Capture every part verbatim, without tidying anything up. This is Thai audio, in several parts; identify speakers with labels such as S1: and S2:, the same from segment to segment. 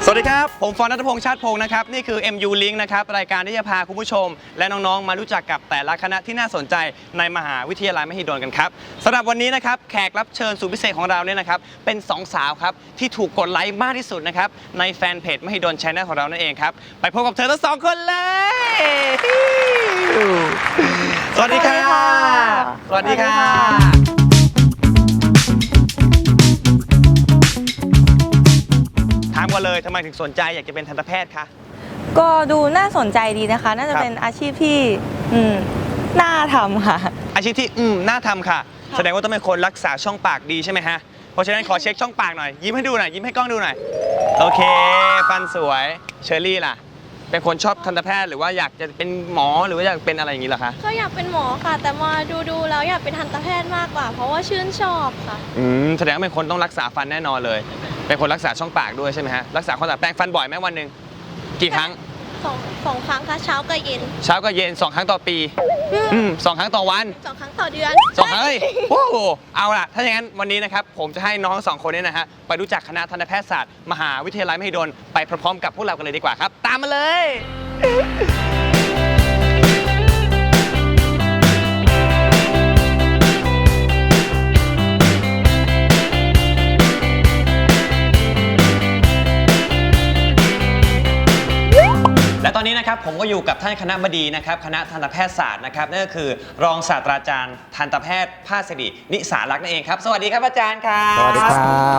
S1: สวัสดีครับผมฟอน ณัฐพงษ์ ชาติพงษ์นะครับนี่คือ เอ็ม ยู Link นะครับรายการที่จะพาคุณผู้ชมและน้องๆมารู้จักกับแต่ละคณะที่น่าสนใจในมหาวิทยาลัยมหิดลกันครับสำหรับวันนี้นะครับแขกรับเชิญสุดพิเศษของเราเนี่ยนะครับเป็นสองสาวครับที่ถูกกดไลค์มากที่สุดนะครับในแฟนเพจมหิดล Channel ของเรานั่นเองครับไปพบกับเธอทั้งสองคนเลยสวัสดีค่ะสวัสดีค่ะถามกันเลยทำไมถึงสนใจอยากจะเป็นทันตแพทย์คะ
S2: ก็ดูน่าสนใจดีนะคะน่าจะเป็นอาชีพที่อืมน่าทำค่ะ
S1: อาชีพที่อืมน่าทำค่ะแสดงว่าต้องเป็นคนรักษาช่องปากดีใช่ไหมฮะเพราะฉะนั้นขอเช็คช่องปากหน่อยยิ้มให้ดูหน่อยยิ้มให้กล้องดูหน่อยโอเคฟันสวยเชอรี่ล่ะเป็นคนชอบทันตแพทย์หรือว่าอยากจะเป็นหมอหรือว่าอยากเป็นอะไรอย่างนี้เหรอคะ
S3: ก็อยากเป็นหมอค่ะแต่มาดูดูแล้วอยากเป็นทันตแพทย์มากกว่าเพราะว่าชื่นชอบค่ะ
S1: อืมแสดงว่าเป็นคนต้องรักษาฟันแน่นอนเลยเป็นคนรักษาช่องปากด้วยใช่ไหมฮะรักษาความสะอาดแปรงฟันบ่อยไหมวันหนึ่งกี่ครั้ง
S3: สองสองครั้งค่ะเช้ากับเย็น
S1: เช้ากับเย็นสองครั้งต่อปีอืมสองครั้งต่อวัน
S3: สองครั้งต่อเดือน
S1: สองครั้งเฮ้ยโอ้โหเอาล่ะถ้าอย่างนั้นวันนี้นะครับผมจะให้น้องสองคนนี้นะฮะไปรู้จักคณะทันตแพทยศาสตร์มหาวิทยาลัยมหิดลไปพร้อมๆกับพวกเรากันเลยดีกว่าครับตามมาเลยและตอนนี้นะครับผมก็อยู่กับท่านคณบดีนะครับคณะทันตแพทยศาสตร์นะครับนั่นก็คือรองศาสตราจารย์ทันตแพทย์ภาสิรินิสารักษ์นั่นเองครับสวัสดีครับอาจารย์ครับ
S4: สวัสดีครับ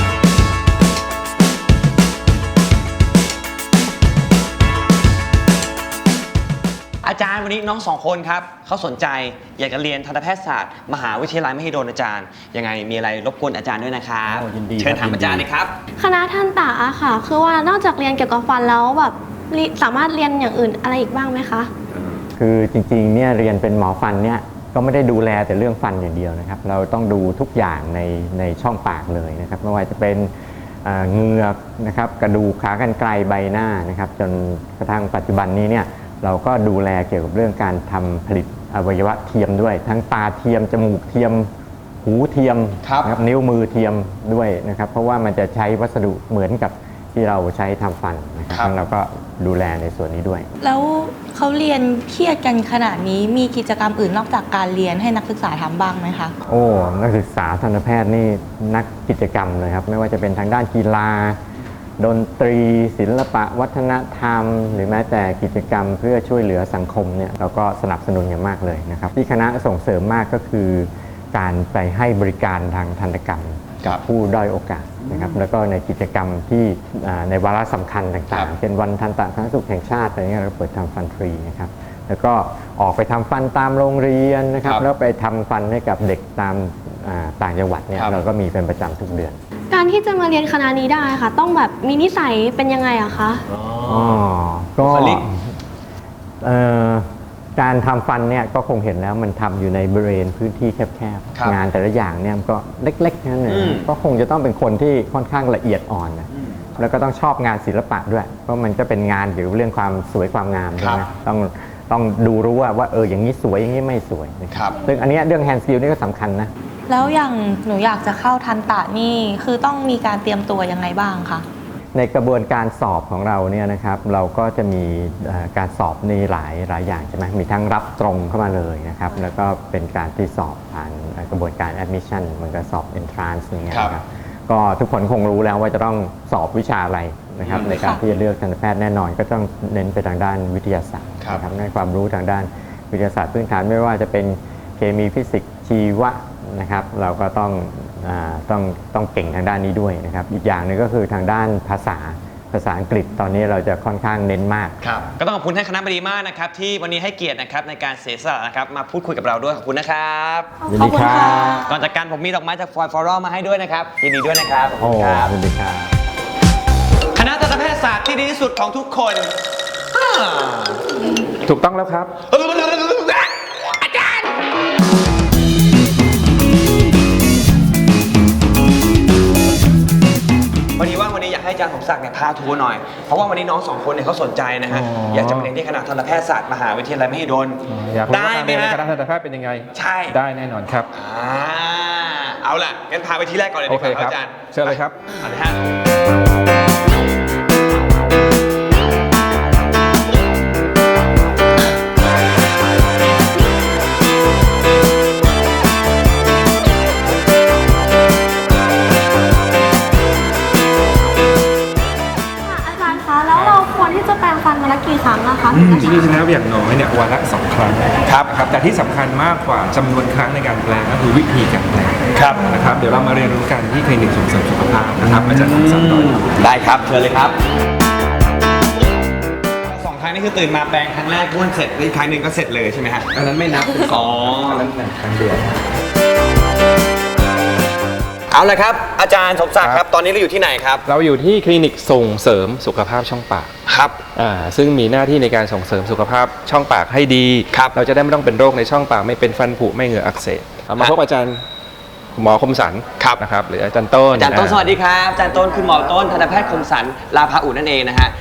S1: อาจารย์วันนี้น้องสองคนครับเขาสนใจอยากจะเรียนทันตแพทยศาสตร์มหาวิทยาลัยมหิดลอาจารย์ยังไงมีอะไรรบกวนอาจารย์ด้วยนะครับเชิญถามอาจารย์เลยครับ
S3: คณะทันตะค่ะคือว่านอกจากเรียนเกี่ยวกับฟันแล้วแบบสามารถเรียนอย่างอื่นอะไรอีกบ้างไหมคะ
S4: คือจริงๆเนี่ยเรียนเป็นหมอฟันเนี่ยก็ไม่ได้ดูแลแต่เรื่องฟันอย่างเดียวนะครับเราต้องดูทุกอย่างในในช่องปากเลยนะครับไม่ว่าจะเป็นเหงือกนะครับกระดูกขากรรไกรใบหน้านะครับจนกระทั่งปัจจุบันนี้เนี่ยเราก็ดูแลเกี่ยวกับเรื่องการทำผลิตอวัยวะเทียมด้วยทั้งตาเทียมจมูกเทียมหูเทียมนะครับนิ้วมือเทียมด้วยนะครับเพราะว่ามันจะใช้วัสดุเหมือนกับที่เราใช้ทำฟันนะครับเราก็ดูแลในส่วนนี้ด้วย
S2: แล้วเขาเรียนเครียดกันขนาดนี้มีกิจกรรมอื่นนอกจากการเรียนให้นักศึกษาทำบ้างไหมคะ
S4: โอ้นักศึกษาทันตแพทย์นี่นักกิจกรรมเลยครับไม่ว่าจะเป็นทางด้านกีฬาดนตรีศิลปะวัฒนธรรมหรือแม้แต่กิจกรรมเพื่อช่วยเหลือสังคมเนี่ยเราก็สนับสนุนอย่างมากเลยนะครับที่คณะส่งเสริมมากก็คือการไปให้บริการทางทันตกรรมกับผู้ด้อยโอกาสนะครับแล้วก็ในกิจกรรมที่ในวาระสำคัญต่างๆเช่นวันทันตสาธารณสุขแห่งชาติอะไรเงี้ยเราเปิดทำฟันฟรีนะครับแล้วก็ออกไปทำฟันตามโรงเรียนนะครับแล้วไปทำฟันให้กับเด็กตามต่างจังหวัดเนี่ยเราก็มีเป็นประจำทุกเดือน
S3: การที่จะมาเรียนคณะนี้ได้ค่ะต้องแบบมีนิสัยเป็นยังไงอะคะ
S4: อ๋อก็การทำฟันเนี่ยก็คงเห็นแล้วมันทำอยู่ในบริเวณพื้นที่แคบๆงานแต่ละอย่างเนี่ยก็เล็กๆนั่นเองก็คงจะต้องเป็นคนที่ค่อนข้างละเอียดอ่อนนะแล้วก็ต้องชอบงานศิลปะด้วยเพราะมันจะเป็นงานเกี่ยวกับเรื่องความสวยความงามใช่ไหมต้องต้องดูรู้ว่าว่าเอออย่างนี้สวยอย่างนี้ไม่สวยนะครับซึ่งอันนี้เรื่องแฮนด์สกิลนี่ก็สำคัญนะ
S2: แล้วอย่างหนูอยากจะเข้าทันตะนี่คือต้องมีการเตรียมตัวยังไงบ้างคะ
S4: ในกระบวนการสอบของเราเนี่ยนะครับเราก็จะมีการสอบในหลายหลายอย่างใช่ไหมมีทั้งรับตรงเข้ามาเลยนะครับแล้วก็เป็นการที่สอบผ่านกระบวนการ admission เหมือนกับสอบ entrance อย่างเงี้ยครับก็ทุกคนคงรู้แล้วว่าจะต้องสอบวิชาอะไรนะครับในการที่จะเลือกทันตแพทย์แน่นอนก็ต้องเน้นไปทางด้านวิทยาศาสตร์นะครับในความรู้ทางด้านวิทยาศาสตร์พื้นฐานไม่ว่าจะเป็นเคมีฟิสิกส์ชีวะนะครับเราก็ต้องต้องต้องเก่งทางด้านนี้ด้วยนะครับอีกอย่างหนึ่งก็คือทางด้านภาษาภาษาอังกฤษตอนนี้เราจะค่อนข้างเน้นมาก
S1: ครับก็ต้องขอบคุณท่านคณบดีมากนะครับที่วันนี้ให้เกียรตินะครับในการเสียสละนะครับมาพูดคุยกับเราด้วยขอบคุณนะครับ
S4: ยินดีครับ
S1: ก่อนจากกันผมมีดอกไม้จากฟอยฟอรัลมาให้ด้วยนะครับยินดีด้วยนะครับขอบคุณครับ
S4: ยินดีครับ
S1: คณะทันตแพทยศาสตร์ที่ดีที่สุดของทุกคน
S4: ถูกต้องแล้วครับ
S1: อาจารย์วันนี้ว่าวันนี้อยากให้อาจารย์สมศักดิ์เนี่ยพาทัวร์หน่อยเพราะว่าวันนี้น้องสองคนเนี่ยเขาสนใจนะฮะอยากจะมาเรียนที่คณะทันตแพทยศาสตร์มหาวิทยาลัยมหิดล
S5: อยากรู้ว่าการเรียนในคณะทันตแพทย์เป็นยังไง
S1: ใช่
S5: ได้แน่นอนครับ
S1: อ่าเอาล่ะงั้นพาไปที่แรกก่อนเลยดีกว่าอาจารย์
S5: เชิญเลยครับ
S1: เอาเลยฮะ
S3: ที่จะแปรงฟันวันละกี่ครั้งนะคะ
S5: อืมจริงๆแล้วอย่างน้อยเนี่ยวันละสองครั้งครับครับแต่ที่สำคัญมากกว่าจำนวนครั้งในการแปลงก็คือวิธีการแปลง
S1: ครับ
S5: นะครับเดี๋ยวเรามาเรียนรู้กันที่คลินิกส่งเสริมสุขภาพนะครับอาจารย์สมศักดิ์ต่ออยู่
S1: ได้ครับเชิญเลยครับสองครั้งนี่คือตื่นมาแปรงครั้งแรกบ้วนเสร็จอีกครั้งหนึ่งก็เสร็จเลยใช่ไหมฮะ
S5: อันนั้นไม่นับเป็นส
S1: อ๋
S5: อ
S1: อ
S5: งอันนั้นเป็นครั้งเดียว
S1: เอาละครับอาจารย์สมศักดิ์ครับตอนนี้เราอยู่ที่ไหนครับ
S5: เราอยู่ที่คลินิกส่งเสริมสุขภาพช่องปาก
S1: ครับ
S5: อ่าซึ่งมีหน้าที่ในการส่งเสริมสุขภาพช่องปากให้ดี
S1: ครับ
S5: เราจะได้ไม่ต้องเป็นโรคในช่องปากไม่เป็นฟันผุไม่เหงื่ออักเสบเอามาพบอาจารย์หมอคมสัน
S1: ครับ
S5: นะครับหรืออาจารย์ต้น
S1: อาจารย์ต้นสวัสดีครับอาจารย์ต้นคุณหมอต้นทันตแพทย์คมสันลาภาอุนั่นเองนะฮะ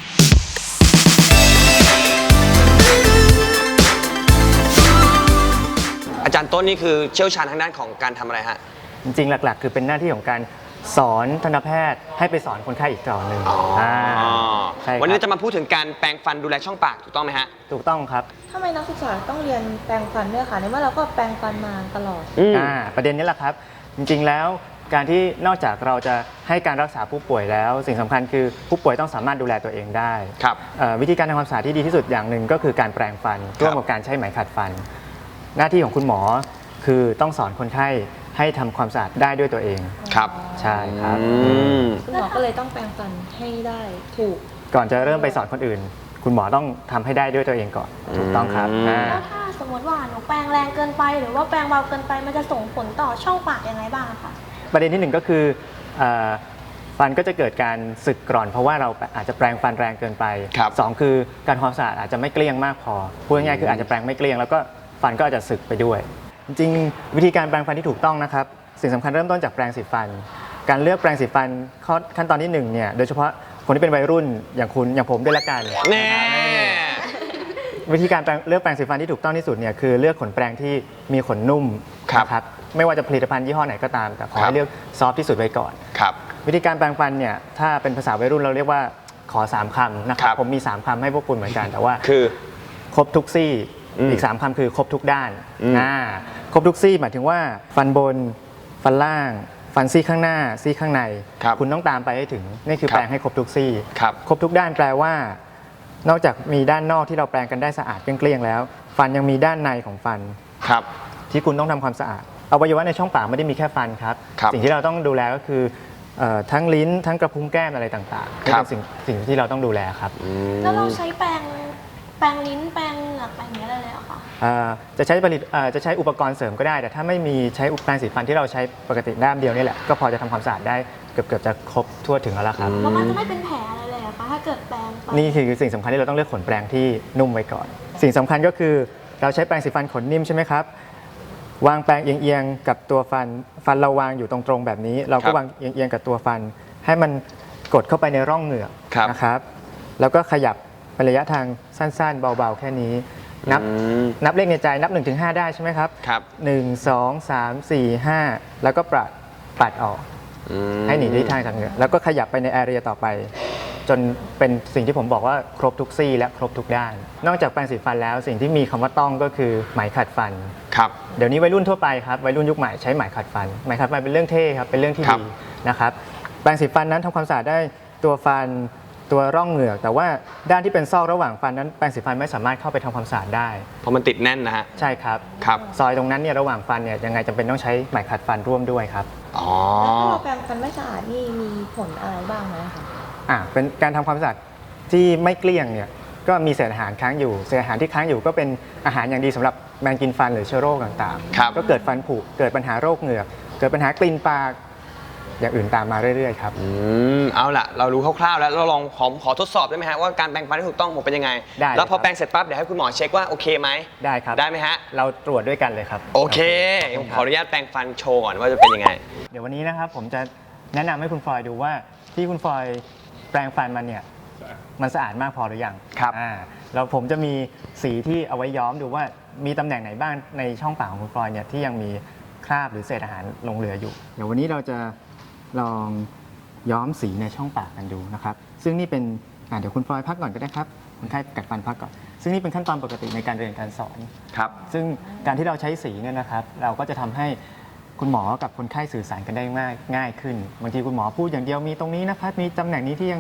S1: อาจารย์ต้นนี่คือเชี่ยวชาญทางด้านของการทำอะไรฮะ
S6: จริงๆ หลักๆ คือเป็นหน้าที่ของการสอนทันตแพทย์ให้ไปสอนคนไข้อีกต่อหนึ่งาใช่ครับ
S1: วันนี้จะมาพูดถึงการแปรงฟันดูแลช่องปากถูกต้องไหมฮะ
S6: ถูกต้องครับ
S2: ทำไมนักศึกษาต้องเรียนแปรงฟันด้วยคะในเมื่อเราก็แปรงฟันมาตลอด
S1: อืม
S6: อ่าประเด็นนี้แหละครับ จริงๆ แล้วการที่นอกจากเราจะให้การรักษาผู้ป่วยแล้ว สิ่งสำคัญคือผู้ป่วยต้องสามารถดูแลตัวเองได้
S1: ครับ
S6: เอ่อวิธีการทำความสะอาดที่ดีที่สุดอย่างหนึ่งก็คือการแปรงฟันร่วมกับการใช้ไหมขัดฟัน หน้าที่ของคุณหมอคือต้องสอนคนไข้ให้ทำความสะอาดได้ด้วยตัวเอง
S1: ครับ
S6: ใช่ครับ
S1: อืม
S2: คุณหมอก็เลยต้องแปรงฟันให้ได้ถูก
S6: ก่อนจะเริ่มไปสอนคนอื่น คุณหมอต้องทำให้ได้ด้วยตัวเองก่อน ถูกต้องครับ
S1: อืม
S6: อ่า
S3: แล้วถ้าสมมติว่าหนูแปรงแรงเกินไป หรือว่าแปรงเบาเกินไปมันจะส่งผลต่อช่องปากยังไงบ้างอะคะ
S6: ประเด็นที่หนึ่งก็คือเอ่อฟันก็จะเกิดการสึกกร่อน เพราะว่าเราอาจจะแปรงฟันแรงเกินไป
S1: ครับ
S6: สองคือการทำความสะอาดอาจจะไม่เกลี้ยงมากพอพูดง่ายๆคืออาจจะแปรงไม่เกลี้ยงแล้วก็ฟันก็อาจจะสึกไปด้วย จริงๆ วิธีการแปรงฟันที่ถูกต้องนะครับสิ่งสำคัญเริ่มต้นจากแปรงสีฟัน การเลือกแปรงสีฟันข้อขั้นตอนที่หนึ่งเนี่ยโดยเฉพาะคนที่เป็นวัยรุ่นอย่างคุณอย่างผมด้วยละกัน
S1: แน่
S6: วิธีการแปรงเลือกแปรงสีฟันที่ถูกต้องที่สุดเนี่ยคือเลือกขนแปรงที่มีขนนุ่ม
S1: ครับ
S6: นะครับไม่ว่าจะผลิตภัณฑ์ยี่ห้อไหนก็ตาม แต่ขอ
S1: ครั
S6: ให้
S1: บ
S6: เลือกซอฟต์ที่สุดไว้ก่อน
S1: ครับ
S6: วิธีการแปรงฟันเนี่ยถ้าเป็นภาษาวัยรุ่นเราเรียกว่าขอสามคำนะค
S1: ครั
S6: รับบ ผมมีสามคำให้พวกคุณเหมือนกันแต่ว่า
S1: คือ
S6: ครบทุกซี่
S1: อืม
S6: อีกสามคำคือครบทุกด้าน
S1: อืม
S6: อ่าครบทุกซี่หมายถึงว่าฟันบน ฟันล่าง ฟันซี่ข้างหน้า ซี่ข้างใน
S1: ครับ
S6: คุณต้องตามไปให้ถึงนี่คือ
S1: ครับ
S6: แปรงให้ครบทุกซี่
S1: ครับ
S6: ครบทุกด้านแปลว่า นอกจากมีด้านนอกที่เราแปรงกันได้สะอาดเกลี้ยงๆแล้ว ฟันยังมีด้านในของฟัน
S1: ครับ
S6: ที่คุณต้องทำความสะอาดอวัยวะในช่องปากไม่ได้มีแค่ฟันครับ
S1: ครับ
S6: สิ่งที่เราต้องดูแลก็คือเอ่อทั้งลิ้นทั้งกระพุ้งแก้มอะไรต่างๆนี่
S1: ครับ
S6: เป็นสิ่งสิ่งที่เราต้องดูแลครับ
S3: แล้วเราใช้แปรงแปรงลิ้นแปรงเหงือกแปรงอย่างนี้ยได้เลยเหรอคะ
S6: เอ่อจะใช้ผลิตเอ่อจะใช้อุปกรณ์เสริมก็ได้ แต่ถ้าไม่มีใช้อุปกรณ์สีฟันที่เราใช้ปกติด้ามเดียวนี่แหละก็พอจะทำความสะอาดได้เกือบเกือบจะครบทั่วถึงแล้วล่ะครับ
S3: แล้วมันจะไม่เป็นแผลอะไรเลยเหรอคะถ้าเกิดแปรงไป
S6: นี่คือสิ่งสำคัญที่เราต้องเลือกขนแปรงที่นุ่มไว้ก่อน สิ่งสำคัญก็คือเราใช้แปรงสีฟันขนนิ่มใช่ไหมครับวางแปรงเอียงๆกับตัวฟันฟันเราวางอยู่ตรงๆแบบนี้ เรา
S1: ครั
S6: ก็
S1: บ
S6: วางเอียงๆกับตัวฟัน ให้มันกดเข้าไปในร่องเหงือก
S1: ครับ
S6: นะครับ แล้วก็ขยับเป็นระยะทางสั้นๆ เบาๆ แค่นี้ นับ
S1: อืม
S6: นับเลขในใจนับ หนึ่งถึงห้า ได้ใช่ไหมครับ
S1: ครับ
S6: หนึ่ง สอง สาม สี่ ห้า แล้วก็ปัดปัดออก
S1: อืม
S6: ให้หนีทิศทางจากเหงือกแล้วก็ขยับไปในแอเรียต่อไป จนเป็นสิ่งที่ผมบอกว่าครบทุกซี่และครบทุกด้าน นอกจากแปรงสีฟันแล้วสิ่งที่มีคำว่าต้องก็คือไหมขัดฟัน
S1: ครับ
S6: เดี๋ยวนี้วัยรุ่นทั่วไปครับวัยรุ่นยุคใหม่ใช้ไหมขัดฟันไหมขัดฟันเป็นเรื่องเท่ครับเป็นเรื่องที่
S1: ครับ
S6: ดีนะครับแปรงสีฟันนั้นทำความสะอาดได้ตัวฟันตัวร่องเหงือก แต่ว่าด้านที่เป็นซอกระหว่างฟันนั้นแปรงสีฟันไม่สามารถเข้าไปทำความสะอาดได้
S1: เพราะมันติดแน่นนะฮะ
S6: ใช่ครับ
S1: ครับ
S6: ซอยตรงนั้นเนี่ยระหว่างฟันเนี่ยยังไงจำเป็นต้องใช้ไหมขัดฟันร่วมด้วยครับ
S1: อ๋อ
S2: แล้วถ้าเราแปรงฟันไม่สะอาดนี่มีผลอะไรบ้างไหมคะ
S6: อ่ะเป็นการทำความสะอาดที่ไม่เกลี้ยงเนี่ยก็มีเศษอาหารค้างอยู่เศษอาหารที่ค้างอยู่ก็เป็นอาหารอย่างดีสำหรับแมงกินฟันหรือเชื้อโรคต่าง
S1: ครับ
S6: ก็เกิดฟันผุเกิดปัญหาโรคเหงือกเกิดปัญหากลิ่นปากอย่างอื่นตามมาเรื่อยๆครับ
S1: อืมเอาล่ะ เรารู้คร่าวๆแล้วเราลองขอขอทดสอบได้ไหมฮะว่าการแปรงฟันที่ถูกต้องผมเป็นยังไง
S6: ได้
S1: แล้วพอ
S6: ครับ
S1: แปรงเสร็จปั๊บเดี๋ยวให้คุณหมอเช็คว่าโอเคไหม
S6: ได้ครับ
S1: ได้ไหมฮะ
S6: เราตรวจด้วยกันเลยครับ
S1: โอเค
S6: ข
S1: ผ
S6: บ
S1: ม
S6: ณ
S1: ข
S6: ค
S1: อ
S6: รับ
S1: อนุญาตแปรงฟันโชว์ก่อนว่าจะเป็นยังไง
S6: เดี๋ยววันนี้นะครับผมจะแนะนำให้คุณฟลอยดูว่าที่คุณฟลอยแปรงฟันมันเนี่ยมันสะอาดมากพอหรือยัง
S1: ครับ
S6: อ่าแล้วผมจะมีสีที่เอาไว้ย้อมดูว่ามีตำแหน่งไหนบ้างในช่องปากของคุณฟลอยเนี่ยที่ยังมีคราบหรือเศษอาหารหลงเหลืออยู่ เดี๋ยววันนี้เราจะลองย้อมสีในช่องปากกันดูนะครับซึ่งนี่เป็นอ่าเดี๋ยวคุณฟลอยพักก่อนก็ได้ครับคนไข้กัดฟันพักก่อนซึ่งนี่เป็นขั้นตอนปกติในการเรียนการสอน
S1: ครับ
S6: ซึ่งการที่เราใช้สีเนี่ยนะครับเราก็จะทำให้คุณหมอกับคนไข้สื่อสารกันได้ง่ายง่ายขึ้นบางทีคุณหมอพูดอย่างเดียวมีตรงนี้นะครับมีตำแหน่งนี้ที่ยัง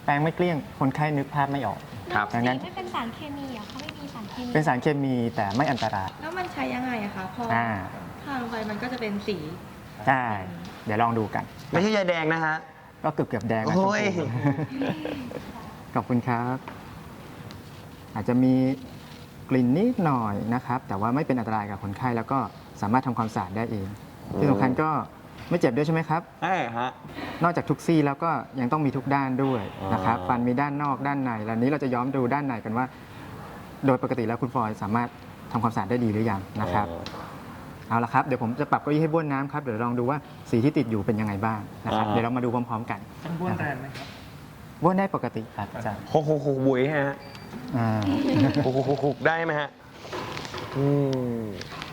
S6: แปรงไม่เกลี้ยงคนไข้นึกภาพไม่ออก
S1: ครับ
S6: ดังนั้น
S3: ไม่เป็นสารเคมีอ่ะเขาไม่มีสารเคมี
S6: เป็นสารเคมีแต่ไม่อันตราย
S2: แล้วมันใช้ยังไงอะคะพอ
S6: อ่า
S2: ทาลงไปมันก็จะเป็นสี
S6: ใช่เดี๋ยวลองดูกัน
S1: ไม่ใช่ยาแดงนะฮะ
S6: ก็เกือบเกือบๆแดงนะ
S1: โอ้ย
S6: ชมพู ขอบคุณครับ อาจจะมีกลิ่นนิดหน่อยนะครับ แต่ว่าไม่เป็นอันตรายกับคนไข้แล้วก็สามารถทำความสะอาดได้เอง ที่สำคัญก็ไม่เจ็บด้วยใช่ไหมครับ
S1: ใช่ฮะ
S6: นอกจากทุกซี่แล้วก็ยังต้องมีทุกด้านด้วยนะครับ
S1: อ๋อ
S6: ฟันมีด้านนอกด้านในแล้วนี้เราจะย้อมดูด้านในกันว่า โดยปกติแล้วคุณฟลอยด์สามารถทำความสะอาดได้ดีหรือยังนะครับ เอาละครับเดี๋ยวผมจะปรับเก้าอี้ให้บ้วนน้ำครับเดี๋ยวลองดูว่าสีที่ติดอยู่เป็นยังไงบ้างนะครับ
S1: อ่า
S6: เดี๋ยวเรามาดูพร้อมๆกัน
S5: ต้องบ้วนแรงไหมครับ
S6: บ้วนได้ปกติครับอาจารย์
S1: โคกโคกโคกบุ๋ยฮะ
S6: อ่า
S1: โคกโคกโคกโคกได้ไหมฮะอืม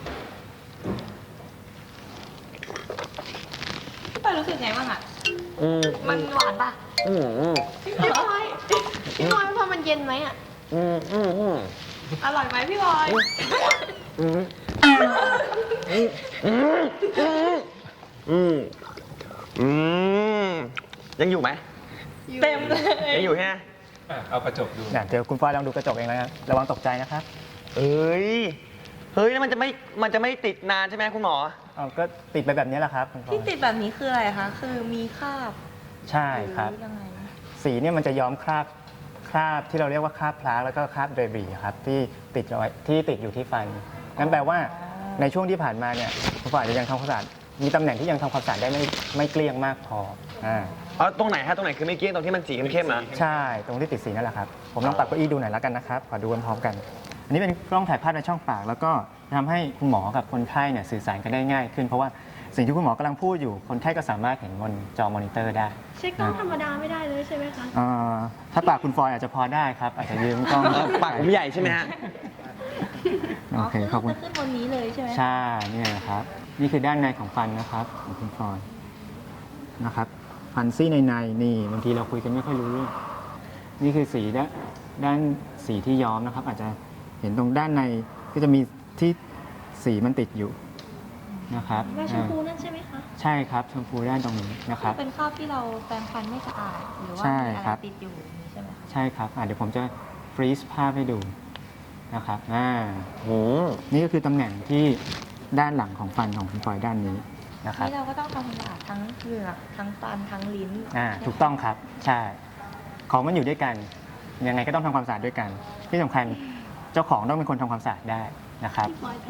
S2: พี่ปอยรู้สึกไงบ้างอะ
S1: อืม
S2: มันหวานปะ
S1: อืมอืม
S3: พี่พลอยพี่พลอยพอมันเย็นไหมอ่ะ
S1: อืมอืมอืม
S2: อร่อยไหมพี่บอย
S1: อืมอืมอืมอืมอืมยังอยู่ไหม
S2: เต็มเลย
S1: ยังอยู่ใช่ไหม
S5: อ่ะเอากระจกดู
S6: เดี๋ยวคุณฟลอยด์ลองดูกระจกเองแล้วนะระวังตกใจนะครับ
S1: เอ้ยเฮ้ยแล้วมันจะไม่มันจะไม่ติดนานใช่ไหมคุณหมอ
S6: เอาก็ติดไปแบบนี้แหละครับคุณฟลอย
S2: ที่ติดแบบนี้คืออะไรคะคือมีคราบ
S6: ใช่ครับ
S2: หอยังไง
S6: สีเนี่ยมันจะย้อมคราบคราบที่เราเรียกว่าคราบพลาสแล้วก็คราบเดบรีครับที่ติดเอาไว้ที่ติดอยู่ที่ฟันงั้นแปลว่าในช่วงที่ผ่านมาเนี่ยคุณฟลอยด์อาจจะยังทำความสะอาดมีตำแหน่งที่ยังทำความสะอาดได้ไม่ไม่เกลี้ยงมากพออ่า
S1: เอาตรงไหนฮะตรงไหนคือไม่เกี้ยงตรงที่มันสีเข้มๆนะ
S6: ใช่ตรงที่ติดสีนั่นแหละครับผมลองปรับเก้าอี้ดูหน่อยแล้วกันนะครับขอดูพร้อมๆกัน อันนี้เป็นกล้องถ่ายภาพในช่องปาก แล้วก็ทำให้คุณหมอกับคนไข้เนี่ยสื่อสารกันได้ง่ายขึ้น เพราะว่าสิ่งที่คุณหมอกำลังพูดอยู่คนไข้ก็สามารถเห็นบนจอมอนิเตอร์ได้
S3: ใช้กล้องธรรมดาไม่ได้เลยใช่ไหมคะ
S6: อ่าถ้าปากคุณฟลอยด์อาจจะพอได้ครับ อาจจะยืมกล้อง
S1: เออปากผมใหญ่ใช่ไหมฮะ
S6: โอเคขอบคุณ
S2: จะขึ้นบนนี้เลยใช่ไหม
S6: ใช่เนี่ยนะครับ นี่คือด้านในของฟันนะครับของคุณฟลอยด์นะครับฟันซี่ในในๆนี่บางทีเราคุยกันไม่ค่อยรู้เรื่องนี่คือสีด้านด้านสีที่ย้อมนะครับ อาจจะเห็นตรงด้านในก็จะมีที่สีมันติดอยู่นะครับ
S3: ว่าชมพู
S6: อ่า
S3: นั่นใช่ไหมคะ
S6: ใช่ครับชมพูด้านตรงนี้นะครับ
S2: เป็นคราบที่เราแปรงฟันไม่สะอาดหรือว่า
S6: ใช่
S2: มีอะ
S6: ครั
S2: ไร
S6: บ
S2: ติดอยู่อย่างนี้ใช่ไหมคะ
S6: ใช่ครับอ่ะเดี๋ยวผมจะฟรีซภาพให้ดูนะครับอ่า
S1: อืม
S6: นี่ก็คือตำแหน่งที่ด้านหลังของฟันของคุณฟลอยด์ด้านนี้นะครับ
S2: นี่เราก็ต้องทำความสะอาดทั้งเหงือกทั้งฟันทั้งลิ้น
S6: อ่าถูกต้องครับใช่ของมันอยู่ด้วยกันยังไงก็ต้องทำความสะอาดด้วยกัน ที่สำคัญเจ้าของต้องเป็นคนทำความสะอาดได้นะครับ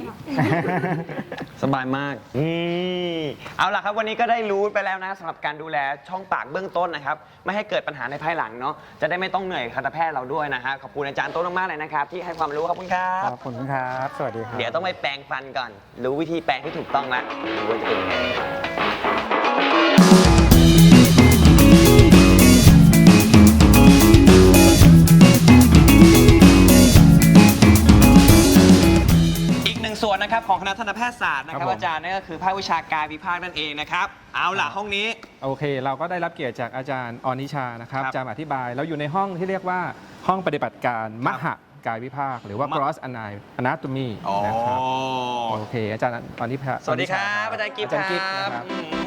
S1: สบายมากนี่เอาล่ะครับวันนี้ก็ได้รู้ไปแล้วนะสำหรับการดูแลช่องปากเบื้องต้นนะครับไม่ให้เกิดปัญหาในภายหลังเนาะจะได้ไม่ต้องเหนื่อยทันตแพทย์เราด้วยนะฮะขอบคุณอาจารย์โต้นมากๆเลยนะครับที่ให้ความรู้ขอบคุณครั
S6: ข
S1: บ
S6: อบคุณครับ สวัสดีครับ
S1: เดี๋ยวต้องไปแปรงฟันก่อน รู้วิธีแปรงที่ถูกต้องแล้วดูว่าจะเป็นยังไงอีกหนึ่งส่วนนะครับของคณะทันตแพทยศาสตร์นะครับ
S5: ครับผม
S1: อาจารย์นั่นก็คือภาควิชาการวิภาคนั่นเองนะครับเอาล่ะห้องนี้
S5: โอเค เราก็ได้รับเกียรติจากอาจารย์อนิชานะครับ
S1: ครับ
S5: จะมาอธิบายเราอยู่ในห้องที่เรียกว่าห้องปฏิบัติการมหกายวิภาค หรือว่า
S1: มะ
S5: gross anatomy
S1: อ๋อ
S5: นะครับโอเค อาจารย์อนิชา
S1: สวัสดีครับอาจารย์กิฟต์
S5: อาจารย์กิฟต์
S1: ค
S5: นะ
S1: รับ
S5: ครับ
S1: อืม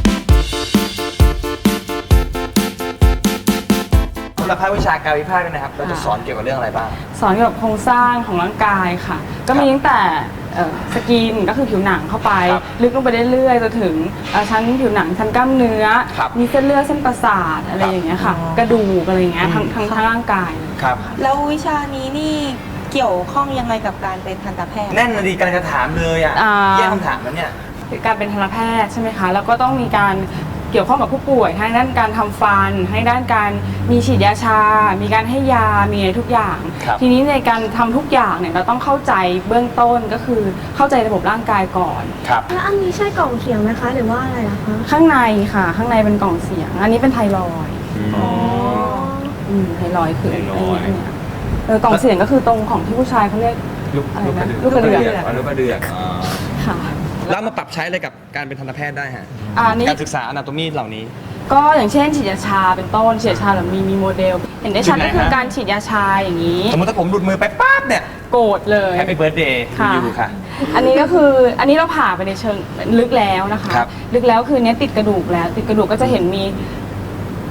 S1: สำหรับภาควิชาการวิภาคเนี่ยนะครับเราจะสอนเกี่ยวกับเรื่องอะไรบ้าง
S7: สอนเกี่ยวกับโครงสร้างของร่างกายค่ะ ก็มีตั้งแต่เอ่อสกินก็คือผิวหนังเข้าไป
S1: ครับ
S7: ลึกลงไปเรื่อยๆจนถึงเอ่อชั้นผิวหนังชั้นกล้ามเนื้อ
S1: ครับ
S7: มีเส้นเลือดเส้นประสาทอะไรอย่างเงี้ยค่ะ กระดูกอะไรอย่างเงี้ยทั้งทั้งทั้งร่างกาย
S1: ครับ
S2: แล้ววิชานี้นี่เกี่ยวข้องยังไงกับการเป็นทันตแพทย์
S1: แน่นนะดีการจะถามเลยอ่ะ
S7: อ่า
S1: แย่คำถามแล้วเนี่ย
S7: การเป็นทันตแพทย์ใช่ไหมคะ แล้วก็ต้องมีการเกี่ยวข้องกับผู้ป่วยทั้งด้านการทำฟันให้ด้านการมีฉีดยาชา มีการให้ยา มีอะไรทุกอย่าง
S1: ครับ
S7: ทีนี้ในการทำทุกอย่างเนี่ยเราต้องเข้าใจเบื้องต้นก็คือเข้าใจระบบร่างกายก่อน
S1: ครับ
S3: แล้วอันนี้ใช่กล่องเสียงไหมคะ หรือว่าอะไรล่ะคะ
S7: ข้างในค่ะ ข้างในเป็นกล่องเสียง อันนี้เป็นไทรอยด์
S3: อ๋อ
S7: อืมไทรอยด์คือ
S1: ไท
S7: ไอ้
S1: รอยด์
S7: เนี่ยเออกล่องเสียงก็คือตรงของที่ผู้ชายเขาเรียก
S5: ลูก
S7: อะไร
S5: ลูกก
S7: นะ
S5: ระเดือก
S7: ลูกกระเดือก
S1: อ๋อลูกกระเดือก
S7: ค่ะ
S1: แล้วมาปรับใช้อะไรกับการเป็นทันตแพทย์ได้ฮะ
S7: อ่านี่
S1: การศึกษาอนาโตมีเหล่านี้
S7: ก็อย่างเช่นฉีดยาชาเป็นต้นฉีดยาชาเรามีมีโมเดล เห็นได้ชัด
S1: จุดไหน
S7: ก็คือ
S1: ฮะ
S7: การฉีดยาชาอย่างนี้
S1: สมมติถ้าผมหลุดมือไปปั๊บเนี่ย
S7: โกรธเลย
S1: แฮปปี้เบิร์ดเดย์
S7: ค่ะ
S1: อยู่ค่ะ
S7: อันนี้ก็คืออันนี้เราผ่าไปในเชิงลึกแล้วนะคะ
S1: ครับ
S7: ลึกแล้วคือเนี้ยติดกระดูกแล้ว ติดกระดูกก็จะเห็นมี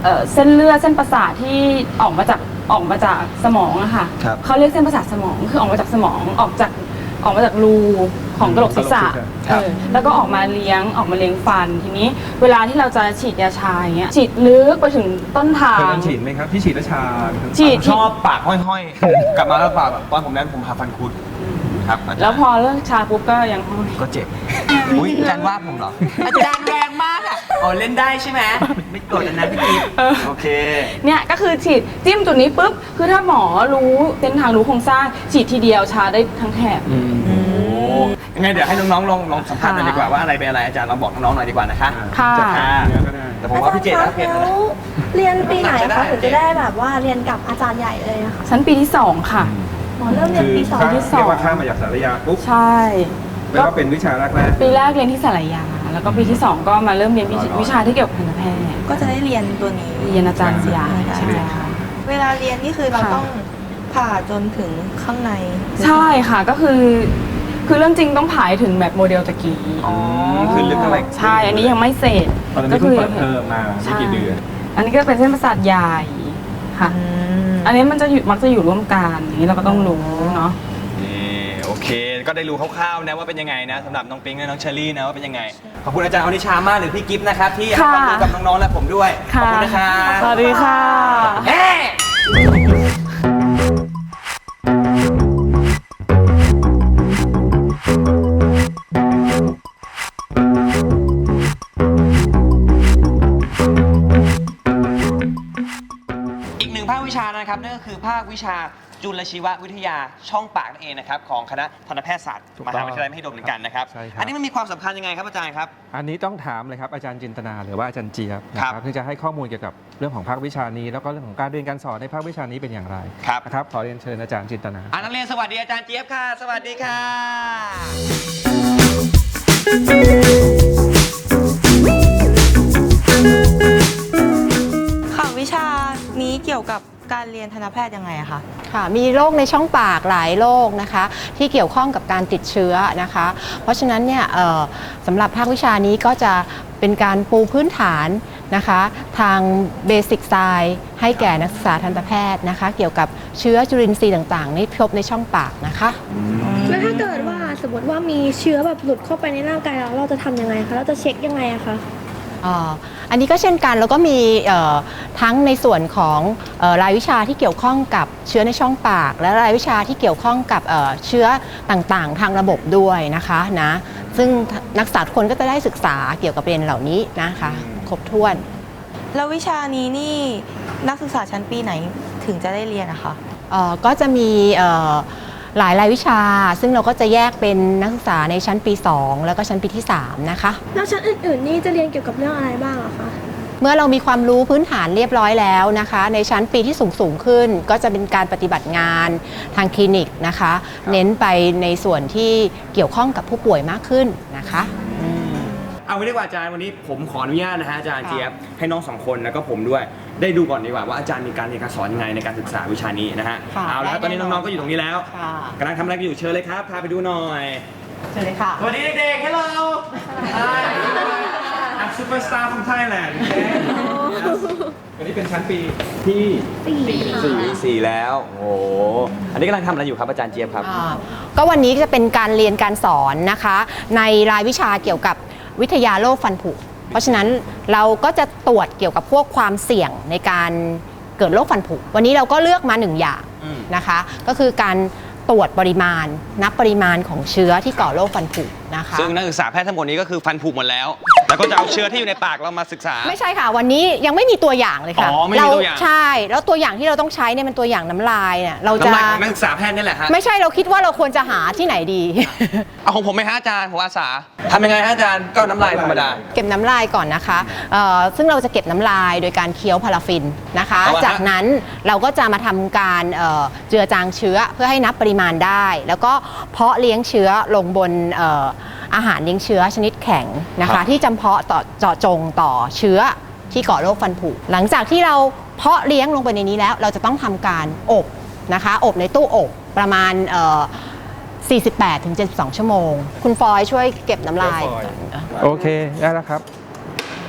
S7: เอ่อเส้นเลือดเส้นประสาทที่ออกมาจากออกมาจากสมองอะค่ะ
S1: ครับ
S7: เขาเรียกเส้นประสาทสมองคือออกมาจากสมองออกจากออกมาจากรูของกระโหลกศีรษะ
S1: ครับ
S7: เออแล้วก็ออกมาเลี้ยงออกมาเลี้ยงฟันทีนี้เวลาที่เราจะฉีดยาชาอย่างเงี้ยฉีดลึกไปถึงต้นทา
S5: เคย
S7: ง
S5: ลองฉีดไหมครับที่ฉีดแล้วชา
S7: ฉีด
S1: ชอบปากห้อยๆ กลับมาแล้วปากแบบตอนผมนั้นผมผ่าฟันคุดครับาจารย์
S7: แล้วพอเลิกชาปุ๊บก็ยังห้อย
S1: ก็เจ็บ อุ้ยอาจารย์ว่าผมเหรอ อาจารย์แรงมากอ่ะอ๋อเล่นได้ใช่ไหมไม่โกรธนะพี่กิ๊ฟโอเค
S7: เนี่ยก็คือฉีดจิ้มจุดนี้ปุ๊บคือถ้าหมอรู้เส้นทางรู้โครงสร้างฉีดทีเดียวชาได้ทั้งแถบ
S1: โอ้ยังไงเดี๋ยวให้น้องๆลองลองสัมภาษณ์หน่อยดีกว่าว่าอะไรเป็นอะไรอาจารย์ลองบอกน้องๆหน่อยดีกว่านะคะ
S7: ค่ะ
S1: ค่ะแต่ผมว่าพี่เกดนะเกดนะ
S8: เรียนปีไหน
S1: ได้
S8: คะถึงจะได้แบบว่าเรียนกับอาจารย์ใหญ่เลยอะค่ะ
S7: ชั้นปีที่สองค่ะ
S8: หมอเริ่มเรียนปีสอง
S7: ที่สอง
S5: เรียกว่าข้ามมาจากสารยาปุ๊บ
S7: ใช่
S5: แปลว่าเป็นวิชาแรกแรก
S7: ปีแรกเรียนที่สารยา แล้วก็ปีที่สองก็มาเริ่มเรียนวิชาวิชาที่เกี่ยวกับทันตแพทย์
S2: ก็จะได้เรียนตัวนี้
S7: เรียนอาจารย์ยา
S2: ใช่
S7: ใช่ค่ะ
S2: เวลาเรียนนี่คือเรา
S7: ค่ะ
S2: ต้องผ่าจนถึงข้างใน
S7: ใช่ค่ะก็คือ คือเรื่องจริงต้องผ่ายถึงแบบโมเดลตะกี้
S1: อ๋อคือลึกเท่าไหร่
S7: ใช่อันนี้ยังไม่เสร็จ
S5: ตอนนี้เพิ่งเปิดเทอมมาไม่กี่เดือน
S7: อันนี้ก็เป็นเส้นประสาทใหญ่ค่ะ อันนี้มันจะอยู่มักจะอยู่ร่วมกันอย่างนี้เราก็ต้องรู้เนาะ
S1: นี่โอเค ก็ได้รู้คร่าวๆนะว่าเป็นยังไงนะสำหรับน้องปิ๊งและน้องเชอรี่นะว่าเป็นยังไง ขอบคุณอาจารย์อนิชามากหรือพี่กิฟต์นะครับที่ให้ความรู้กับน้องๆและผมด้วย ขอบคุณนะครับ
S7: สวัสดีค่ะ
S1: เฮ้อีกหนึ่งภาควิชานะครับนั่นก็คือภาควิชาจุลชีววิทยาช่องปากนั่นเองนะครับของคณะทันตแพทยศาสตร์
S5: ถูก
S1: ม
S5: ต้อง
S1: หาวิทยาลัยมหิดลเหมือนกันนะครับ
S5: ใช่ครับ
S1: อันนี้มันมีความสำคัญยังไงครับอาจารย์ครับ
S5: อันนี้ต้องถามเลยครับอาจารย์จินตนาหรือว่าอาจารย์เจี๊ยบนะ
S1: ค
S5: ค
S1: รั
S5: รั
S1: บบ
S5: ที่จะให้ข้อมูลเกี่ยวกับเรื่องของภาควิชานี้ แล้วก็เรื่องของการเรียนการสอนในภาควิชานี้เป็นอย่างไร
S1: ครับ
S5: นะครับขอเรียนเชิญอาจารย์จินตนา
S1: อ่านักเรียนสวัสดีอาจารย์เจี๊ยบค่ะ สวัสดีค่ะ
S2: ค่ะวิชานี้เกี่ยวกับการเรียนทันตแพทย์ยังไงอะคะ
S9: ค่ะมีโรคในช่องปากหลายโรคนะคะที่เกี่ยวข้องกับการติดเชื้อนะคะ เพราะฉะนั้นเนี่ยเอ่อสำหรับภาควิชานี้ก็จะเป็นการปูพื้นฐานนะคะทางเบสิกไซน์ให้แก่นักศึกษาทันตแพทย์นะคะเกี่ยวกับเชื้อจุลินทรีย์ต่างๆที่พบในช่องปากนะคะ
S8: แล้วถ้าเกิดว่าสมมติว่ามีเชื้อแบบหลุดเข้าไปในร่างกายเราเราจะทำยังไงคะเราจะเช็คยังไงอะคะ
S9: อ่าอันนี้ก็เช่นกันแล้วก็มีเอ่อทั้งในส่วนของเอ่อรายวิชาที่เกี่ยวข้องกับเชื้อในช่องปาก และรายวิชาที่เกี่ยวข้องกับเอ่อเชื้อต่างๆ ทางระบบด้วยนะคะนะซึ่งนักศึกษาทุกคนก็จะได้ศึกษาเกี่ยวกับประเด็นเหล่านี้นะคะครบถ้วน
S2: แล้ววิชานี้นี่นักศึกษาชั้นปีไหนถึงจะได้เรียนอะคะ
S9: เอ่อก็จะมีเอ่อหลายรายวิชา ซึ่งเราก็จะแยกเป็นนักศึกษาในชั้นปี สอง แล้วก็ชั้นปีที่ สาม นะคะ
S8: แล้วชั้นอื่นๆนี่จะเรียนเกี่ยวกับเรื่องอะไรบ้างอะคะ
S9: เมื่อเรามีความรู้พื้นฐานเรียบร้อยแล้วนะคะ ในชั้นปีที่สูงสูงขึ้น ก็จะเป็นการปฏิบัติงานทางคลินิกนะคะ เน้นไปในส่วนที่เกี่ยวข้องกับผู้ป่วยมากขึ้นนะคะอืม
S1: เอาไว้ดีกว่าอาจารย์วันนี้ผมขออนุญาตนะฮะอาจารย์
S9: ค่ะ
S1: เจี๊ยบให้น้องสองคนแล้วก็ผมด้วย ได้ดูก่อนดีกว่าว่าอาจารย์มีการเรียนการสอนยังไงในการศึกษาวิชานี้นะฮะ
S9: ค่ะ
S1: เอาละครับตอนนี้น้องๆก็อยู่ตรงนี้แล้ว
S9: ค่ะ
S1: กำลังทำอะไรกันอยู่เชิญเลยครับพาไปดูหน่อย
S9: เชิญเลยค่ะ
S1: สวัสดีเด็กๆ Hello Hi I'm superstar from Thailand
S5: อันนี้เป็นชั้นปีที่
S1: สี่สี่แล้วโอ้โหอันนี้กำลังทำอะไรอยู่ครับอาจารย์เจี๊ยบครับ
S9: อ่าก็วันนี้จะเป็นการเรียนการสอนนะคะ ในรายวิชาเกี่ยวกับวิทยาโรคฟันผุ เพราะฉะนั้นเราก็จะตรวจเกี่ยวกับพวกความเสี่ยงในการเกิดโรคฟันผุ วันนี้เราก็เลือกมาหนึ่งอย่าง
S1: อืม
S9: นะคะ ก็คือการตรวจปริมาณนับปริมาณของเชื้อที่ก่อโรคฟันผุนะคะ
S1: ซึ่งนักศึกษาแพทย์ทั้งหมดนี้ก็คือฟันผุหมดแล้ว แล้วก็จะเอาเชื้อที่อยู่ในปากเรามาศึกษา
S9: ไม่ใช่ค่ะ วันนี้ยังไม่มีตัวอย่างเลยค่ะ
S1: อ๋อไม่มีตัวอย่าง
S9: เรใช่แล้วตัวอย่างที่เราต้องใช้เนี่ยเป็นตัวอย่างน้ำลายเนี่ยเราจะ
S1: น้ำลายของนักศึกษาแพทย์นี่แหละฮะ
S9: ไม่ใช่เราคิดว่าเราควรจะหาที่ไหนดี
S1: เอาของผมไหมฮะอาจารย์ผมอาสาทำยังไงฮะอาจารย์ก็น้ำลายธรรมดา
S9: เก็บน้ำลายก่อนนะคะเอ่อซึ่งเราจะเก็บน้ำลายโดยการเคี้ยวพาราฟินนะคะ
S1: เอาละฮะ
S9: จากนั้นเราก็จะมาทำการเอ่อเจือจางเชื้อเพื่อให้นับปริมาณได้ แล้วก็เพาะเลี้ยงเชื้อลงบนเอ่ออาหารเลี้ยงเชื้อชนิดแข็งนะคะที่จำเพาะต่อเจาะจงต่อเชื้อที่ก่อโรคฟันผุ หลังจากที่เราเพาะเลี้ยงลงไปในนี้แล้ว เราจะต้องทำการอบนะคะอบในตู้อบประมาณเอ่อสี่สิบแปดถึงเจ็ดสิบสอง ชั่วโมง คุณฟอยช่วยเก็บน้ำลายก่อน
S5: โอเคได้แล้วครับ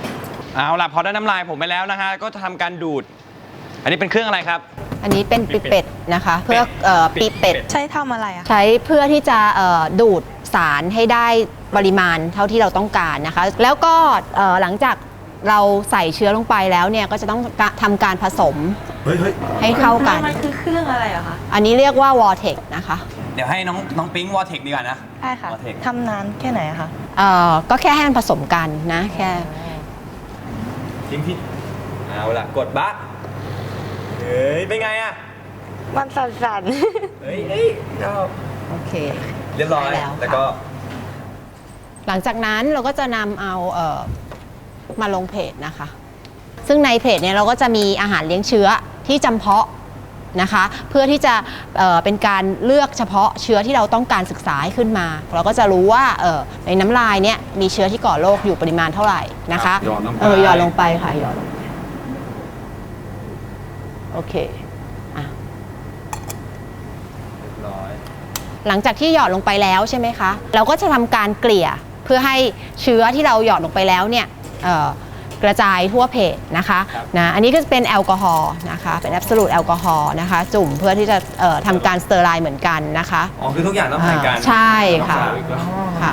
S1: เอาล่ะพอได้น้ำลายผมไปแล้วนะฮะก็จะทำการดูด อันนี้เป็นเครื่องอะไรครับ
S9: อันนี้เป็นปิเป็ดนะคะ เพื่อเอ่อปิเป็ด
S2: ใช้ทำอะไรอะคะ
S9: ใช้เพื่อที่จะเอ่อดูดสารให้ได้ปริมาณเท่าที่เราต้องการนะคะ แล้วก็เอ่อหลังจากเราใส่เชื้อลงไปแล้วเนี่ยก็จะต้องทำการผสมให้เข้ากัน
S2: มันคือเครื่องอะไรอะคะ
S9: อันนี้เรียกว่าวอร์เทกนะคะ
S1: เดี๋ยวให้น้องน้องปิ๊งวอเทคดีกว่านะ
S2: ใช่ค่ะ
S1: Vortex
S2: ทำนานแค่ไหนอะคะ
S9: เอ่อก็แค่ให้มันผสมกันนะแค่
S1: ทิ้งที่เอาล่ะกดบะเฮ้ยเป็นไงอะ
S2: มันสั่น
S1: เฮ้ยเฮ้ยชอบ
S9: โอเค
S1: เรียบร้อย
S9: ได้แล้วค่ะ
S1: แล้วก็
S9: หลังจากนั้นเราก็จะนำเอาเอ่อมาลงเพจนะคะ ซึ่งในเพจเนี่ยเราก็จะมีอาหารเลี้ยงเชื้อที่จำเพาะนะคะ เพื่อที่จะเอ่อเป็นการเลือกเฉพาะเชื้อที่เราต้องการศึกษาให้ขึ้นมา เราก็จะรู้ว่าเอ่อในน้ำลายเนี่ยมีเชื้อที่ก่อโรคอยู่ปริมาณเท่าไหร่นะคะ
S1: หยอดลงไป
S9: เออหยอดลงไปค่ะหยอดลงไปโอเคอ่ะ
S1: เรียบร้อย
S9: หลังจากที่หยอดลงไปแล้วใช่ไหมคะ เราก็จะทำการเกลี่ยเพื่อให้เชื้อที่เราหยอดลงไปแล้วเนี่ยเอ่อกระจายทั่วเพจนะคะนะอันนี้ก็จะเป็นแอลกอฮอล์นะคะเป็นแอบสูตแอลกอฮอล์นะคะจุ่มเพื่อที่จะเอ่อทำการสเตอร์ไลน์เหมือนกันนะคะ
S1: อ๋อคือทุกอย่างต้องผ่านการ
S9: ใช่ค่ะ
S1: รักษาอีกแล้ว
S9: ค่ะ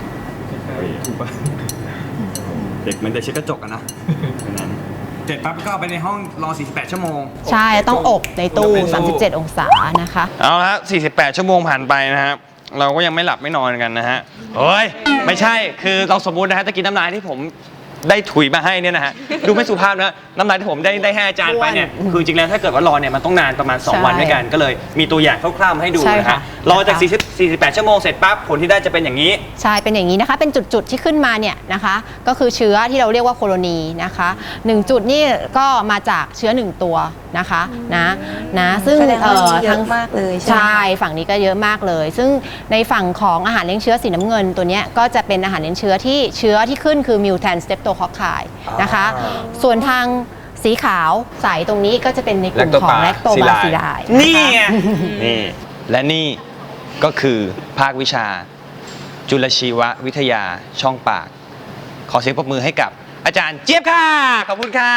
S1: เด็กมันจะเช็ดกระจกกันนะนั้นเสร็จปั๊บก็เอาไปในห้องรอ สี่สิบแปด ชั่วโมง
S9: ใช่ต้องอบในตู้สามสิบเจ็ดองศานะคะ
S1: เอาละสี่สิบแปด ชั่วโมงผ่านไปนะครับเราก็ยังไม่หลับไม่นอนกันนะฮะเฮ้ย ไม่ใช่คือเราสมมุตินะฮะตะกี้น้ำลายที่ผมได้ถุยมาให้เนี่ยนะฮะดูไม่สุภาพนะน้ำลายที่ผมได้ได้ให้อาจารย์ไปเนี่ยคือจริงแล้วถ้าเกิดว่ารอเนี่ยมันต้องนานประมาณสอง
S9: ใช่
S1: วันด้วยกันก็เลยมีตัวอย่างคร่าวๆมาให้ดู
S9: ใช่
S1: นะ
S9: ค่ะ
S1: ฮะรอจาก40 สี่สิบแปด ชั่วโมงเสร็จปั๊บผลที่ได้จะเป็นอย่างนี้
S9: ใช่ เป็นอย่างนี้นะคะ เป็นจุดๆที่ขึ้นมาเนี่ยนะคะ ก็คือเชื้อที่เราเรียกว่าโคโลนีนะคะหนึ่งจุดนี่ก็มาจากเชื้อหนึ่งตัวนะคะนะนะซึ่ง
S2: แสดงว่า
S9: เอ่อ
S2: เย
S9: ทั้ง
S2: อะมากเลยใช่ไหม
S9: ใช่ฝั่งนี้ก็เยอะมากเลย ซึ่งในฝั่งของอาหารเลี้ยงเชื้อสีน้ำเงินตัวเนี้ยก็จะเป็นอาหารเลี้ยงเชื้อที่เชื้อที่ขึ้นคือมิวแทนสเตปโตคอคไคนะคะ ส่วนทางสีขาวใสตรงนี้ก็จะเป็นในกลุ่มของแลคโตบาซิลาย
S1: นี่ไงนี่และนี่ก็คือภาควิชา จุลชีววิทยาช่องปาก ขอเสียงปรบมือให้กับอาจารย์เจี๊ยบค่ะ ขอบคุณค่ะ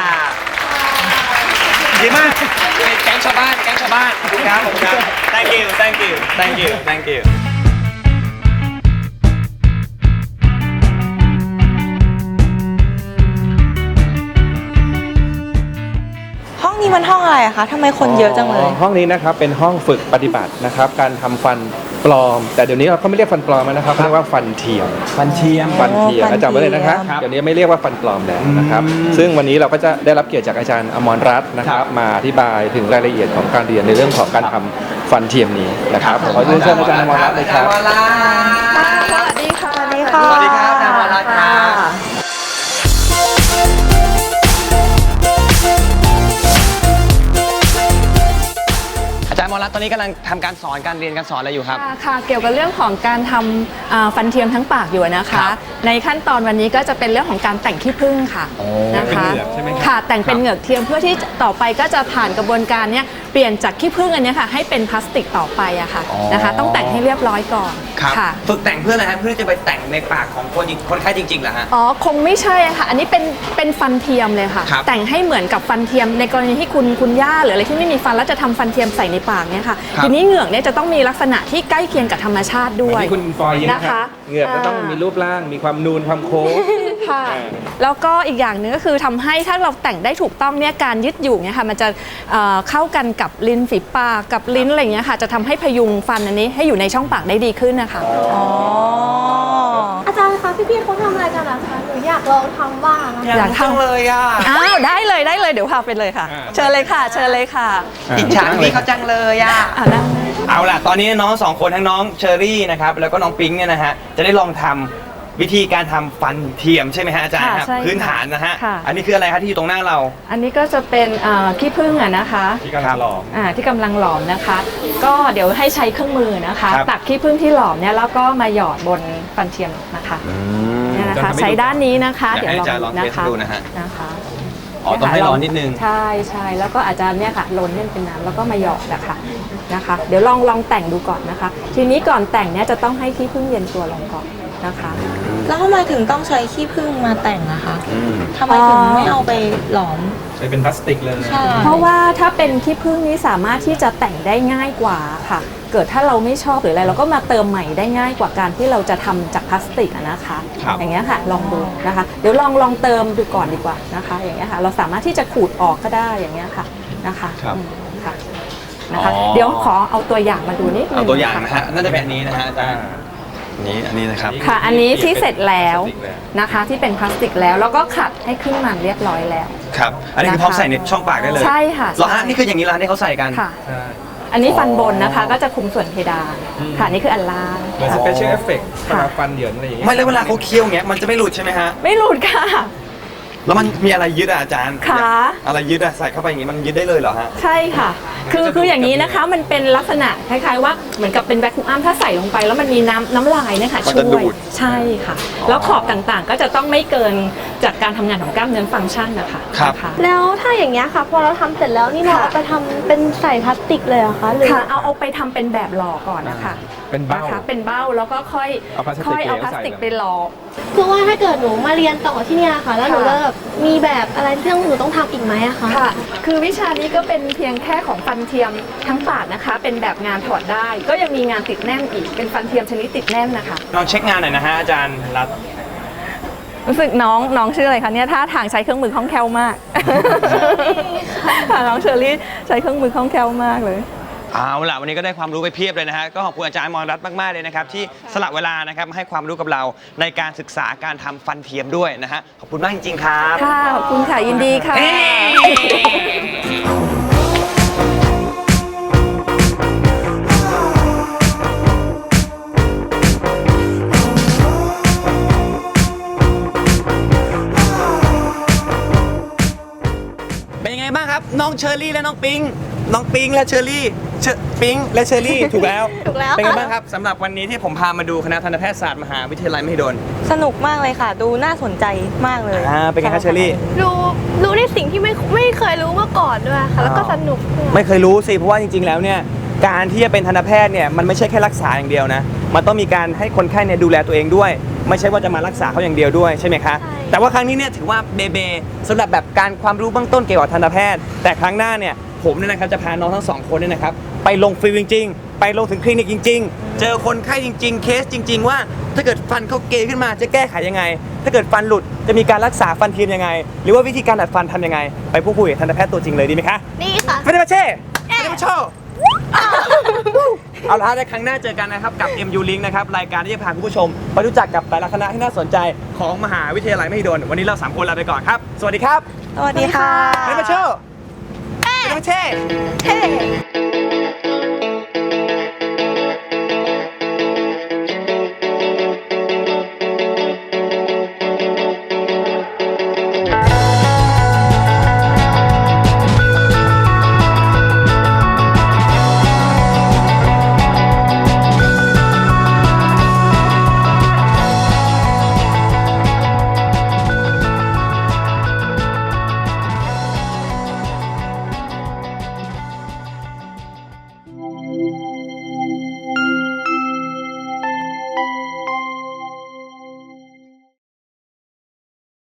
S1: ดีมากเป็นแก๊งชาวบ้านแก๊งชาวบ้านขอบคุณครับขอบคุณครับ thank you thank you thank you thank you
S2: ห้องนี้มันห้องอะไรอะคะทำไมคนเยอะจังเลย
S5: ห้องนี้นะครับเป็นห้องฝึกปฏิบัตินะครับการทำฟันปลอม แต่เดี๋ยวนี้เราก็ไม่เรียกฟันปลอมแล้วนะครับเรียกว่าฟันเทียม
S1: ฟันเทียม
S5: ฟันเทียม
S2: ฟันเทียม
S5: จำไว้เลยนะครับ
S1: ครับ
S5: เดี๋ยวนี้ไม่เรียกว่าฟันปลอมแล้วนะครับ
S1: อืม
S5: ซึ่งวันนี้เราก็จะได้รับเกียรติจากอาจารย์อมรรัตน์นะค
S1: ค
S5: รั
S1: รั
S5: บบ มาอธิบายถึงรายละเอียดของการเรียนในเรื่องของการทำฟันเทียมนี้นะครับขอเรียนเชิญอาจารย์อมรรัตน์เลยครับ
S1: อาจารย์อมรรัตน์
S2: สวัสดีค่ะ สวัสดีค่ะ
S1: สวัสดีครับอาจารย์อมรรัตน์ครับ อาจารย์อมรรัตน์ตอนนี้กำลังทำการสอนการเรียนการสอนอะไรอยู่ครับ
S10: ค่ะค่ะเกี่ยวกับเรื่องของการทำอ่าฟันเทียมทั้งปากอยู่นะ
S1: ครั
S10: คะ
S1: บ
S10: ในขั้นตอนวันนี้ก็จะเป็นเรื่องของการแต่งขี้ผึ้งค่ะ
S1: โอ้
S10: นะคะ
S1: เป็นเหงือกใช่ไหมครับ
S10: ค่ะแต่งเป็น
S1: ครับ
S10: เหงือกเทียมเพื่อที่ต่อไปก็จะผ่านกระบวนการเนี้ยเปลี่ยนจากขี้ผึ้งอันเนี้ยค่ะให้เป็นพลาสติกต่อไปอะค่ะ
S1: อ๋อ
S10: นะคะ ต้องแต่งให้เรียบร้อยก่อน
S1: ครับ
S10: ค่ะ
S1: ฝึกแต่งเพื่ออะไรฮะเพื่อจะไปแต่งในปากของคนจริงคนไข้จริงๆเหรอฮะ
S10: อ๋อคงไม่ใช่อะค่ะ อันนี้เป็นเป็นฟันเทียมเลยค่ะ
S1: ครับ
S10: แต่งให้เหมือนกับฟันเทียมในกรณีที่คุณคุณย่าหรืออะไรที่ไม่มีฟันแล้วจะทำฟันเทียมใส่ในปากเนี่ยค่ะ
S1: ครับ
S10: ทีนี้เหงือกเนี่ยจะต้องมีลักษณะที่ใกล้เคียงกับธรรมชาติด้วย
S5: ที่คุณฟอยยิ้มนะ
S10: นะ
S5: ค
S10: คะ
S5: รับเหงือกก็ต้องมีรูปร่างมีความนูนความโค้ง
S10: ค่ะ
S5: อ่า
S10: แล้วก็อีกอย่างหนึ่งก็คือทำให้ถ้าเราแต่งได้ถูกต้องเนี่ยการยึดอยู่เนี่ยค่ะมันจะเอ่อเข้ากันกับลิ้นฝีปากกับลิ้นอะไรอย่างเงี้ยค่ะจะทำให้พยุงฟันอันนี้ให้อยู่ในช่องปากได้ดีขึ้นนะคะ
S2: อ๋อ
S8: อาจารย์คะพี่ๆเขาทำอะไรกันนะคะหนูอยากลองทำบ้างอะ
S10: อยากทำ
S1: เลยอ่ะ
S10: อ้าวได้เลยได้เลยเดี๋ยวพาไปเลยค่ะ
S5: อ่า
S10: เชิญเลยค่ะ เชิญเลยค่ะ
S1: อิจฉาพี่เขาจังเลยอ่ะ
S10: อ่านั่งเลย
S1: เอาล่ะ ตอนนี้น้องสองคนทั้งน้องเชอรี่นะครับ แล้วก็น้องปิ๊งเนี่ยนะฮะ จะได้ลองทำวิธีการทำฟันเทียมใช่ไหมฮะอาจารย์ครับ
S10: ค่ะใช่ค่ะ
S1: พื้นฐานนะฮะ
S10: ค่ะ
S1: อันนี้คืออะไรครับที่อยู่ตรงหน้าเรา
S10: อันนี้ก็จะเป็นเอ่อขี้ผึ้งอะนะคะ
S5: ที่กำลังหลอม
S10: อ่าที่กำลังหลอมนะคะ ก็เดี๋ยวให้ใช้เครื่องมือนะคะ
S1: ครับ
S10: ตักขี้ผึ้งที่หลอมเนี่ยแล้วก็มาหยอดบนฟันเทียมนะคะเนี่ยนะคะ
S5: จะทำให้ดู
S10: ใช้ด้านนี้นะคะ
S1: อยากให้อาจารย์ลองเทส
S10: นะคะ
S1: ดูนะฮะ
S10: นะคะ
S1: อ๋อต้องให้ร้อนนิดนึง
S10: ใช่ใช่แล้วก็อาจารย์เนี่ยค่ะล้นให้เป็นน้ำแล้วก็มาหยอดนะคะนะคะ เดี๋ยวลองลองแต่งดูก่อนนะคะ ทีนี้ก่อนแต่งเนี่ยจะต้องให้ขี้ผึ้งเย็นตัวลงก่อนนะคะ
S2: แล้วทำไมถึงต้องใช้ขี้ผึ้งมาแต่งอะคะ
S1: อืม
S2: ทำไมถึงไม่เอาไปหลอม
S5: ใช้เป็นพลาสติกเลย
S2: ใช่
S10: เพราะว่าถ้าเป็นขี้ผึ้งนี้สามารถที่จะแต่งได้ง่ายกว่าค่ะ เกิดถ้าเราไม่ชอบหรืออะไรเราก็มาเติมใหม่ได้ง่ายกว่าการที่เราจะทำจากพลาสติกอะนะคะ
S1: ครับ
S10: อย่างเงี้ยค่ะลองดูนะคะ เดี๋ยวลองลองเติมดูก่อนดีกว่านะคะ อย่างเงี้ยค่ะเราสามารถที่จะขูดออกก็ได้อย่างเงี้ยค่ะนะคะ
S1: ครับ
S10: อืมค่ะนะคะ
S1: อ๋อ
S10: เดี๋ยวขอเอาตัวอย่างมาดูนิดนึง
S1: เอาตัวอย่างนะ
S10: ค่
S1: ฮะน่าจะเป็นอันนี้นะฮะอาจารย์อันนี้อันนี้นะครับ
S10: ค่ะ อันนี้ที่เสร็จแล้ว
S5: พลาสติกแล้ว
S10: นะคะ ที่เป็นพลาสติกแล้วแล้วก็ขัดให้ขึ้นมันเรียบร้อยแล้ว
S1: ครับ อันนี้คือพร้อมใส่ในช่องปากได้เลย
S10: ใช่ค่ะ
S1: เหรอฮะ
S10: ใช่
S1: นี่คืออย่างนี้ร้านที่เขาใส่กัน
S10: ค่ะ
S5: ใช่
S10: อันนี้ฟันบนนะคะก็จะคุมส่วนเพดาน
S5: อืม
S10: ค่ะนี่คืออันล่าง
S5: เหมือนสเปเชียลเอฟเฟกต์เวลาฟันเหยินอะไรอย่างเงี้ย
S1: ไม่แล้วเวลาเขาเคี้ยวอย่างเงี้ยมันจะไม่หลุดใช่ไหมฮะ
S10: ไม่หลุดค่ะ
S1: แล้วมันมีอะไรยึดอ่ะอาจารย์
S10: ขา
S1: อะไรยึดอ่ะใส่เข้าไปอย่างงี้มันยึดได้เลยเหรอฮะ
S10: ใช่ค่ะ คือคืออย่างนี้นะคะมันเป็นลักษณะคล้ายๆว่าเหมือนกับเป็นแวคคูอัมถ้าใส่ลงไป แล้วมันมีน้ำน้ำลายเนี่ยค่ะ
S1: มัน
S10: ช่
S1: จะดู
S10: วย
S1: ด
S10: ใช่ค่ะ แล้วขอบต่างๆก็จะต้องไม่เกินจากการทำงานของกล้ามเนื้อฟังก์ชันนะคะ
S1: ครับ
S10: นะคะ
S8: แล้วถ้าอย่างเงี้ยค่ะ พอเราทำเสร็จแล้วนี่เรา
S10: ค่ะ
S8: เอาไปทำเป็นใส่พลาสติกเลยเหรอคะหรือ
S10: ค่ะเอาเอาไปทำเป็นแบบหล่อก่อนนะคะ
S5: เป็นเบ้า
S10: นะคะเป็นเบ้าแล้วก็ค่อย
S5: เอาพลาสติก
S10: ค่อยเอา
S5: เหลว
S10: พลาสติก
S5: ใส่
S10: ไปหล่อ
S8: คือว่าถ้าเกิดหนูมาเรียนต่อที่เนี่ยค่ะ แล้วหนู
S10: ค่ะ
S8: จะแบบมีแบบอะไรที่ต้องหนูต้องทำอีกไหมอะคะ
S10: ค่ะ คือวิชานี้ก็เป็นเพียงแค่ของฟันเทียมทั้งปากนะคะ เป็นแบบงานถอดได้ ก็ยังมีงานติดแน่นอีก เป็นฟันเทียมชนิดติดแน่นนะคะ
S1: ลองเช็คงานหน่อยนะฮะอาจารย์รัต
S10: รู้สึกน้องน้องชื่ออะไรคะเนี่ยท่าทางใช้เครื่องมือคล่องแคล่วมาก ค่ะน้องเชอรี่ใช้เครื่องมือคล่องแคล่วมากเลย
S1: เอาล่ะวันนี้ก็ได้ความรู้ไปเพียบเลยนะฮะก็ขอบคุณอาจารย์มรรัตน์มากๆเลยนะครับที่สละเวลานะครับมาให้ความรู้กับเราในการศึกษาการทำฟันเทียมด้วยนะฮะขอบคุณมากจริงๆครับ
S10: ค่ะ ขอบคุณค่ะ ยินดีค่ะ
S1: เอ้เป็นยังไงบ้างครับ น้องเชอรี่และน้องปิง น้องปิงและเชอรี่เชอปิงและเชอรี่ ถูกแล้ว
S8: ถูกแล้ว
S1: เป็นไงบ้างครับสำหรับวันนี้ที่ผมพามาดูคณะทันตแพทยศาสตร์มหาวิทยาลัยมหิดล
S2: สนุกมากเลยค่ะ ดูน่าสนใจมากเลย
S1: อ่าเป็นไงครับเชอรี่
S8: รู้รู้ในสิ่งที่ไม่ไม่เคยรู้มาก่อนด้วยค่ะ แล้วก็สนุกด้วย
S1: ไม่เคยรู้สิเพราะว่าจริงๆแล้วเนี่ยการที่จะเป็นทันตแพทย์เนี่ยมันไม่ใช่แค่รักษาอย่างเดียวนะมันต้องมีการให้คนไข้เนี่ยดูแลตัวเองด้วย ไม่ใช่ว่าจะมารักษาเขาอย่างเดียวด้วยใช่ไหมคะ
S8: ใช่
S1: แต่ว่าครั้งนี้เนี่ยถือว่าเบเบสำหรับแบบการความรู้เบื้องต้นเกี่ยวกับทันตแพทย์ แต่ครั้งหน้าเนี่ยผมเนี่ยนะครับจะพาน้องทั้งสองคนเนี่ยนะครับไปลงฟิลจริงๆ ไปลงถึงคลินิกจริง ๆ เจอคนไข้จริง ๆ เคสจริง ๆ ว่าถ้าเกิดฟันเขาเกยขึ้นมาจะแก้ไขยังไง ถ้าเกิดฟันหลุดจะมีการรักษาฟันเทียมยังไง หรือว่าวิธีการดัดฟันทำยังไงไปพูดคุยกับทันตแพทย์ตัวจริงเลยดีไหมคะ
S8: นี่ค่ะ
S1: เฟรนมาเช่เฟรนมาโชเอาละฮะในครั้งหน้าเจอกันนะครับกับ เอ็ม ยู Link นะครับรายการที่จะพาคุณผู้ชมไปรู้จักกับแต่ละคณะที่น่าสนใจของมหาวิทยาลัยมหิดลวันนี้เราสามคนลาไปก่อนครับ สวัสดีครับ
S2: สวัสดีค่ะ
S1: เฟรนมาโชเฟรนมาเช่
S8: เฮ้